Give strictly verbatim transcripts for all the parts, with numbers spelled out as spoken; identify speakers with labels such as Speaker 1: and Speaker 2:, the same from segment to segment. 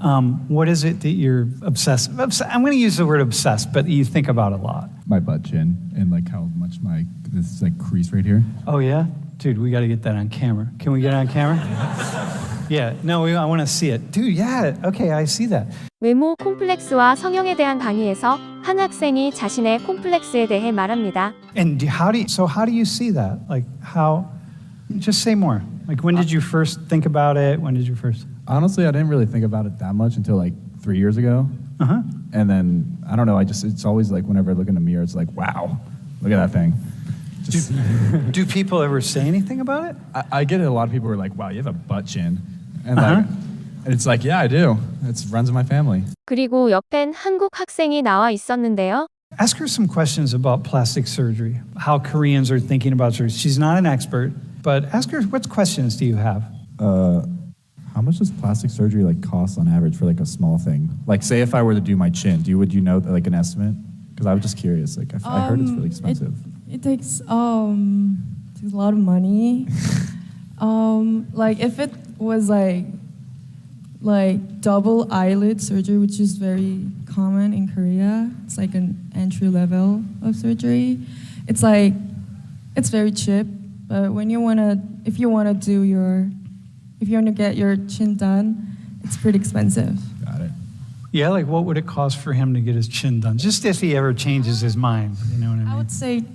Speaker 1: Um, what is it that you're obsessed? Obs- I'm going to use the word obsessed, but you think about a lot.
Speaker 2: My butt chin and like how much my this like crease right here.
Speaker 1: Oh yeah, dude, we got to get that on camera. Can we get it on camera? Yeah, no, we, I want to see it, dude. Yeah, okay, I see that.
Speaker 3: 외모 콤플렉스와 성형에 대한 강의에서 한 학생이 자신의 콤플렉스에 대해 말합니다.
Speaker 1: And do, how do you, so how do you see that? Like how? Just say more. Like when did you first think about it? When did you first?
Speaker 2: Honestly, I didn't really think about it that much until like three years ago.
Speaker 1: Uh huh.
Speaker 2: And then I don't know. I just it's always like whenever I look in the mirror, it's like wow, look at that thing. Just,
Speaker 1: do, do people ever say anything about it?
Speaker 2: I, I get it. A lot of people are like, wow, you have a butt chin, and
Speaker 1: Uh-huh.
Speaker 2: like, and it's like, yeah, I do. It runs in my family.
Speaker 3: 그리고 옆엔 한국 학생이 나와 있었는데요.
Speaker 1: Ask her some questions about plastic surgery, how Koreans are thinking about surgery. She's not an expert, but ask her what questions do you have?
Speaker 2: Uh, how much does plastic surgery like cost on average for like a small thing? Like, say if I were to do my chin, do you would you know like an estimate? Because I was just curious. Like, I, f- I heard it's really expensive.
Speaker 4: It, it takes um takes a lot of money. um, like if it was like like double eyelid surgery, which is very common in Korea. It's like an entry level of surgery. It's like it's very cheap, but when you wanna, if you wanna do your, if you wanna get your chin done, it's pretty expensive.
Speaker 2: Got it.
Speaker 1: Yeah, like what would it cost for him to get his chin done? Just if he ever changes his mind, you know what I mean?
Speaker 4: I would say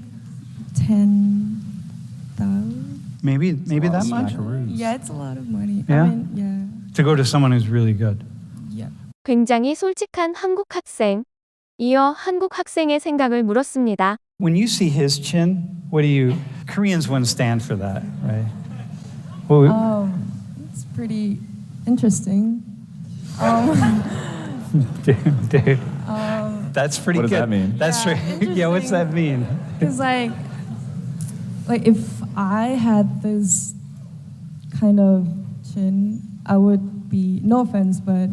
Speaker 4: ten thousand.
Speaker 1: Maybe, maybe that
Speaker 2: It's a lot
Speaker 1: much?
Speaker 2: of smackaroos.
Speaker 4: Yeah, it's a lot of money.
Speaker 1: Yeah?
Speaker 4: I mean, yeah.
Speaker 1: To go to someone who's really good.
Speaker 4: Yeah.
Speaker 3: 굉장히 솔직한 한국 학생. 이어 한국 학생의 생각을 물었습니다.
Speaker 1: When you see his chin, what do you, Koreans wouldn't stand for that, right? Well, we-
Speaker 4: Um, it's pretty interesting. Um,
Speaker 1: dude, dude,
Speaker 4: um,
Speaker 1: that's pretty
Speaker 2: What does
Speaker 1: good.
Speaker 2: that mean?
Speaker 1: That's
Speaker 4: Yeah,
Speaker 1: right. Yeah, what's that mean?
Speaker 4: Cause like, like if I had this kind of chin, I would be, no offense, but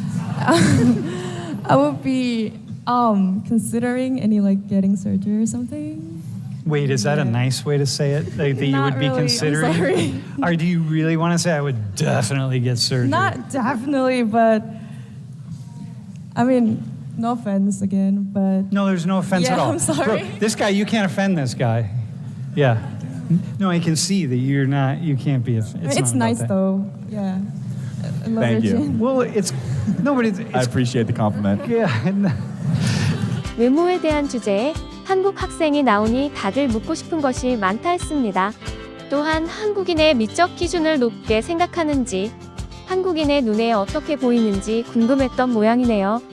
Speaker 4: I would be um considering any like getting surgery or something.
Speaker 1: Wait, is that a
Speaker 4: Yeah.
Speaker 1: nice way to say it? Like that you
Speaker 4: Not
Speaker 1: would be
Speaker 4: really, I'm
Speaker 1: considering?
Speaker 4: sorry.
Speaker 1: Or do you really want to say I would definitely get surgery?
Speaker 4: Not definitely, but I mean, no offense again, but
Speaker 1: No, there's no offense
Speaker 4: Yeah,
Speaker 1: at all.
Speaker 4: I'm sorry.
Speaker 1: Bro, this guy, you can't offend this guy. Yeah. No, I can see that you're not, you can't be. It's,
Speaker 4: I mean, it's
Speaker 1: not about
Speaker 4: nice
Speaker 1: that.
Speaker 4: though. Yeah. I love
Speaker 2: Thank
Speaker 4: your
Speaker 2: you.
Speaker 4: chin.
Speaker 1: Well, it's, no, but it's,
Speaker 2: I
Speaker 1: it's
Speaker 2: appreciate the compliment.
Speaker 1: yeah.
Speaker 3: 외모에 대한 주제에 한국 학생이 나오니 다들 묻고 싶은 것이 많다 했습니다. 또한 한국인의 미적 기준을 높게 생각하는지, 한국인의 눈에 어떻게 보이는지 궁금했던 모양이네요.